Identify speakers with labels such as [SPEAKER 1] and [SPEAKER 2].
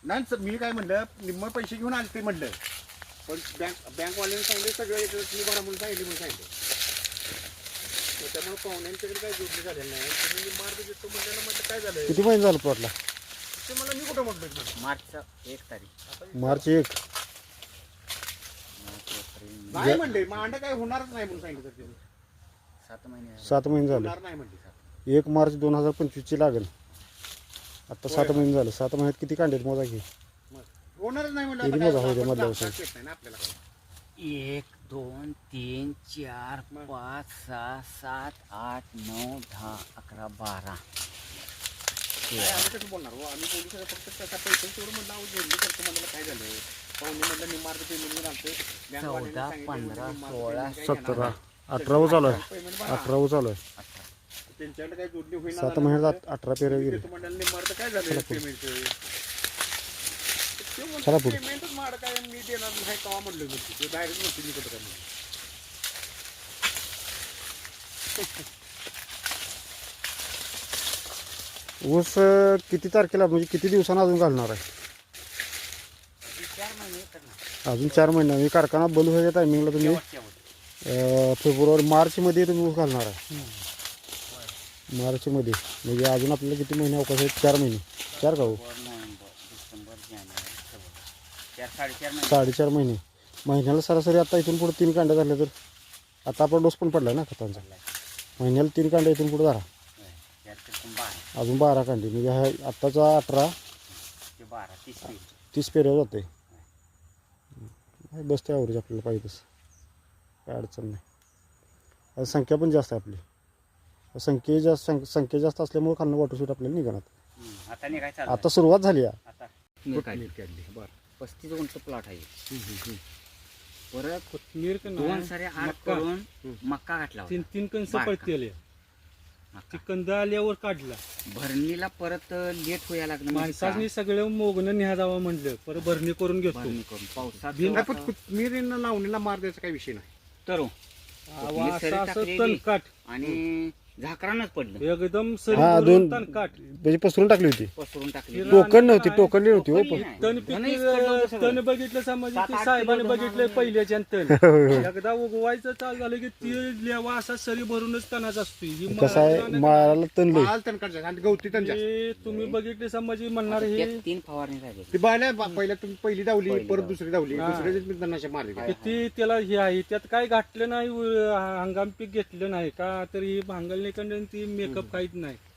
[SPEAKER 1] नाही सर, मी काय म्हणलं निम्म पैसे घेऊन आले ते म्हणलं, पण बँकवाल्याने सांगितलं सगळं एक तुम्ही भरा म्हणून सांगितलं म्हणून सांगितलं. मग त्यामुळे पाहुण्यांच्याकडे काय जोडणी झालेलं नाही. तुम्ही मार्ग देतो म्हटल्यानं म्हटलं काय झालं
[SPEAKER 2] किती महिने झालं प्लॉटला?
[SPEAKER 1] ते मला मी कुठं म्हटलं
[SPEAKER 3] मार्चचा 1 तारीख.
[SPEAKER 2] मार्च 1.
[SPEAKER 1] नाही म्हणले मांड काय होणारच नाही म्हणून सांगितलं सर.
[SPEAKER 3] 7 महिने
[SPEAKER 2] 7 महिने झाले.
[SPEAKER 1] होणार नाही म्हणले सर.
[SPEAKER 2] 1 मार्च 2025 ची लागेल. आता 7 महिने झाले. 7 महिन्यात किती कांडे मोजा की?
[SPEAKER 1] होणारच नाही म्हणलं.
[SPEAKER 2] किती
[SPEAKER 1] आता
[SPEAKER 2] मोजा
[SPEAKER 1] काय
[SPEAKER 2] होते
[SPEAKER 1] आपण
[SPEAKER 2] मधल्या
[SPEAKER 1] दाखवता
[SPEAKER 2] वर्षात?
[SPEAKER 1] येत नाही ना आपल्याला काय.
[SPEAKER 3] 1 2 3 4 5 6 7 8 9 10 11 12.
[SPEAKER 1] काय आम्ही कसं बोलणार हो? आम्ही बोलू शकतो फक्त त्याचा पैसे तेवढं म्हणलं अहो जोडणी करतो म्हणलं काय झालं पाहुणे म्हणलं निम्मार्ग पेमेंट घेऊन आलतो.
[SPEAKER 3] 14 15 16
[SPEAKER 2] 17 18 चालू आहे. 18 चालू आहे.
[SPEAKER 1] त्यांच्याकडे काय जोडणी होईल
[SPEAKER 2] 7 महिन्यात 18 पेरे गेले.
[SPEAKER 1] मंडळाने निम्मार्ग काय झालं पेमेंटचं
[SPEAKER 2] चला पुढे.
[SPEAKER 1] पेमेंटच माड काय मी देणार नाही कवा म्हणलं मी ते डायरेक्ट म्हणतो मी कुठं काय म्हणलं.
[SPEAKER 2] ऊस किती तारखेला म्हणजे किती दिवसांना अजून घालणार आहे?
[SPEAKER 3] 4 महिने करणार.
[SPEAKER 2] अजून 4 महिने. म्हणजे कारखाना बंद व्हायच्या टायमिंगला तुम्ही फेब्रुवारी मार्चमध्ये तुम्ही ऊस घालणार आहे. मार्चमध्ये म्हणजे अजून आपल्याला किती महिने अवकाश आहेत? 4 महिने. 4 का हो?
[SPEAKER 3] नोव्हेंबर डिसेंबर जानेवारी फेब्रुवारी 4 साडेचार महिने.
[SPEAKER 2] 4.5 महिने. महिन्याला सरासरी आता इथून पुढे 3 कांड्या झाल्या तर आता आपला डोस पण पडला ना खतांचा. महिन्याला 3 कांड्या इथून पुढे धरा.
[SPEAKER 3] 12
[SPEAKER 2] अजून 12 कांडी म्हणजे हा आत्ताचा 18
[SPEAKER 3] ते 12 30 पेज.
[SPEAKER 2] 30 पेऱ्यावर जाते. बसते ॲव्हरेज आपल्याला पाहिजे तसं, काय अडचण नाही. आता संख्या पण जास्त आहे आपली. संख्या जास्त असल्यामुळे खालनं वॉटरशूट आपल्याला निघणार.
[SPEAKER 3] आता नाही काय चालू
[SPEAKER 2] आता सुरुवात झाली आहे.
[SPEAKER 3] आता
[SPEAKER 1] नीट काढली. बरं
[SPEAKER 3] 35 गुंठ प्लॉट आहे. परत
[SPEAKER 4] कोथमीर का
[SPEAKER 3] 2 सारे आड करून मक्का घातला होता.
[SPEAKER 4] 3 कणस
[SPEAKER 3] बारका.
[SPEAKER 4] पडतेले ती
[SPEAKER 3] मक्का.
[SPEAKER 4] कंद आल्यावर काढला.
[SPEAKER 3] भरणीला परत लेट व्हायला लागलं म्हणजे
[SPEAKER 4] माणसाने सगळं मोगणं न्या जावं म्हणलं परत भरणी करून घेतो.
[SPEAKER 3] भरणी करून पावसात
[SPEAKER 1] नाही पण कोथमिरींना लावणीला मार द्यायचा काही विषय नाही.
[SPEAKER 3] तर
[SPEAKER 4] आवा
[SPEAKER 3] सरी
[SPEAKER 4] असं
[SPEAKER 3] टाकलेली.
[SPEAKER 4] तणकाट
[SPEAKER 3] आणि झाकरानच पडलं
[SPEAKER 4] एकदम
[SPEAKER 2] हा,
[SPEAKER 4] सरी
[SPEAKER 2] दोन-
[SPEAKER 4] तणकाट
[SPEAKER 2] म्हणजे पसरून टाकली होती.
[SPEAKER 3] पसरून टाकली.
[SPEAKER 2] टोकन नव्हती, टोकनली नव्हती हो.
[SPEAKER 3] टोकनली नाही.
[SPEAKER 4] तण
[SPEAKER 3] धनच कडलं होतं सगळं.
[SPEAKER 4] तण बघितलं समज
[SPEAKER 3] 7-8
[SPEAKER 4] साहेबाने
[SPEAKER 3] किलो
[SPEAKER 4] बघितलंय
[SPEAKER 3] धन
[SPEAKER 4] पहिल्याच्या तण एकदा उगवायचं चालू झालं की ती लेवा असा सरी भरूनच तणाच असतो. ही
[SPEAKER 2] कसं आहे माळाला तणलंय.
[SPEAKER 1] माल तणकाट आणि गवती तण जास्त.
[SPEAKER 4] हे तुम्ही बघितले समज म्हणणार हे
[SPEAKER 3] त्यात 3 फवारणी झाली.
[SPEAKER 1] ती बायला पहिल्या तुम्ही पहिली धावली
[SPEAKER 3] पहिली
[SPEAKER 1] परत
[SPEAKER 3] धावली.
[SPEAKER 1] दुसरी धावली
[SPEAKER 4] हा.
[SPEAKER 1] दुसऱ्या तणाच्या मारली.
[SPEAKER 4] किती त्याला हे आहे त्यात काय घातलं नाही हंगाम पीक घेतलं नाही का तरी भांगलने ती मेकअप काहीच नाही.